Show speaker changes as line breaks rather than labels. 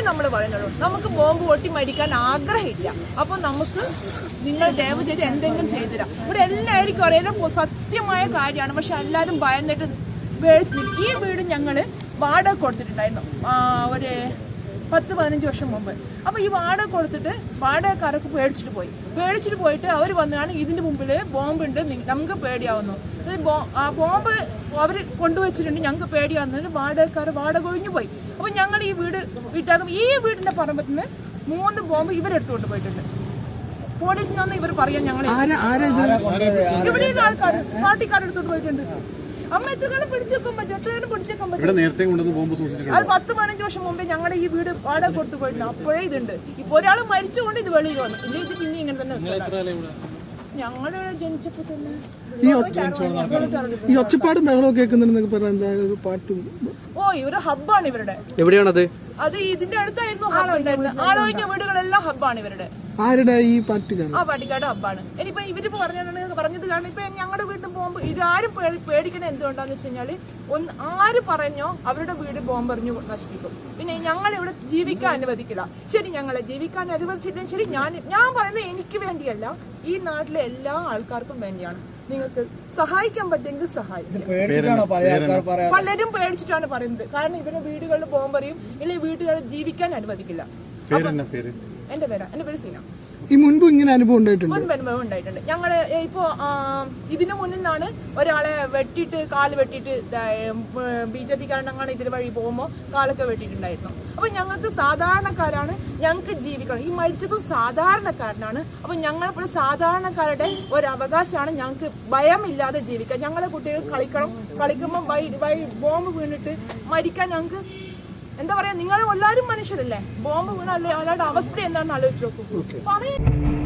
നമ്മൾ പറയുന്നുള്ളൂ. നമുക്ക് ബോംബ് പൊട്ടി മരിക്കാൻ ആഗ്രഹമില്ല. അപ്പൊ നമുക്ക് നിങ്ങൾ ദയവ് ചെയ്ത് എന്തെങ്കിലും ചെയ്തുതരാം. ഇവിടെ എല്ലാവർക്കും അറിയാം സത്യമായ കാര്യമാണ്. പക്ഷെ എല്ലാവരും ഭയന്നിട്ട് ഈ വീട് ഞങ്ങള് വാടക കൊടുത്തിട്ടുണ്ടായിരുന്നു ഒരു 10-15 വർഷം മുമ്പ്. അപ്പൊ ഈ വാടക കൊടുത്തിട്ട് വാടകക്കാരൊക്കെ പേടിച്ചിട്ട് പോയിട്ട് അവർ വന്നാണ് ഇതിന്റെ മുമ്പില് ബോംബുണ്ട്, നമുക്ക് പേടിയാവുന്നു. ബോംബ് അവർ കൊണ്ടുവച്ചിട്ടുണ്ട്, ഞങ്ങൾക്ക് പേടിയാവുന്നതിന് വാടക ഒഴിഞ്ഞു പോയി. അപ്പൊ ഞങ്ങൾ ഈ വീട് വീട്ടാകും. ഈ വീടിന്റെ പറമ്പത്തിൽ നിന്ന് 3 ബോംബ് ഇവരെടുത്തുകൊണ്ട് പോയിട്ടുണ്ട്. പോലീസിനൊന്നും ഇവർ പറയാൻ ഞങ്ങൾ ഇവിടെ ആൾക്കാർ പാർട്ടിക്കാരെടുത്തോണ്ട് പോയിട്ടുണ്ട്. അമ്മ എത്രകാലം പിടിച്ചേക്കാൻ പറ്റും? എത്രകാലം പിടിച്ചേക്കാൻ പറ്റും? അത് 10-15 വർഷം മുമ്പേ ഞങ്ങളുടെ ഈ വീട് വാടക കൊടുത്തു പോയിട്ടുണ്ട്. അപ്പോഴേ ഇതുണ്ട്. ഇപ്പൊ ഒരാൾ മരിച്ചുകൊണ്ട് ഇത് വെളിയിൽ വന്നു. ഇല്ല, ഇത് പിന്നെ ഇങ്ങനെ തന്നെ. ഞങ്ങളുടെ ജനിച്ചപ്പോ തന്നെ
ഈ ഒച്ചപ്പാടും ബഹളവും കേൾക്കുന്നുണ്ടെന്നൊക്കെ പറഞ്ഞാൽ എന്താ പാട്ടും?
ഒരു ഹബ്ബാണ് ഇവരുടെ.
എവിടെയാണത്?
അത് ഇതിന്റെ അടുത്തായിരുന്നു ഹാളുണ്ടായിരുന്നത്. ആളൊഴിഞ്ഞ വീടുകളെല്ലാം ഹബ്ബാണ് ഇവരുടെ.
ആരുടെ? ഈ പാർട്ടിക്കാർ? ആ
പാർട്ടിക്കാരുടെ ഹബ്ബാണ്. ഇനിയിപ്പോ ഇവരിപ്പോ പറഞ്ഞത് കാരണം ഇപ്പൊ ഞങ്ങളുടെ വീട്ടിൽ പോകുമ്പോ ഇതാരും പേടിക്കണേ എന്തുകൊണ്ടാന്ന് വെച്ച് കഴിഞ്ഞാല് ആര് പറഞ്ഞോ അവരുടെ വീട് ബോംബെറിഞ്ഞു നശിപ്പിക്കും. പിന്നെ ഞങ്ങൾ ഇവിടെ ജീവിക്കാൻ അനുവദിക്കില്ല. ശരി, ഞങ്ങളെ ജീവിക്കാൻ അനുവദിച്ചിട്ടും ശരി, ഞാൻ പറയുന്നത് എനിക്ക് വേണ്ടിയല്ല, ഈ നാട്ടിലെ എല്ലാ ആൾക്കാർക്കും വേണ്ടിയാണ്. നിങ്ങൾക്ക് സഹായിക്കാൻ പറ്റുമെങ്കിൽ സഹായിക്കും. പലരും പേടിച്ചിട്ടാണ് പറയുന്നത്. കാരണം ഇവരുടെ വീടുകളിൽ ബോംബെറിയും, ഇല്ലെങ്കിൽ വീടുകളിൽ ജീവിക്കാൻ അനുവദിക്കില്ല. എന്റെ പേര് സീന.
ഈ മുൻപ് ഇങ്ങനെ അനുഭവം ഉണ്ടായിട്ടുണ്ട്?
അനുഭവം ഉണ്ടായിട്ടുണ്ട്. ഞങ്ങള് ഇപ്പോ ഇതിനു മുന്നിൽ നിന്നാണ് ഒരാളെ കാല് വെട്ടിയിട്ട് BJP കാരണങ്ങളാണ് ഇതിന് വഴി പോകുമ്പോ കാലൊക്കെ വെട്ടിയിട്ടുണ്ടായിരുന്നു. അപ്പൊ ഞങ്ങൾക്ക് സാധാരണക്കാരാണ്, ഞങ്ങൾക്ക് ജീവിക്കണം. ഈ മരിച്ചതും സാധാരണക്കാരനാണ്. അപ്പൊ ഞങ്ങളിപ്പോൾ സാധാരണക്കാരുടെ ഒരു അവകാശമാണ് ഞങ്ങൾക്ക് ഭയമില്ലാതെ ജീവിക്കാൻ. ഞങ്ങളെ കുട്ടികൾ കളിക്കുമ്പോൾ ബോംബ് വീണിട്ട് മരിക്കാൻ ഞങ്ങൾക്ക് എന്താ പറയാ, നിങ്ങൾ എല്ലാവരും മനുഷ്യരല്ലേ? ബോംബ് വീണല്ലേ അയാളുടെ അവസ്ഥ എന്താണെന്ന് ആലോചിച്ച് നോക്കൂ.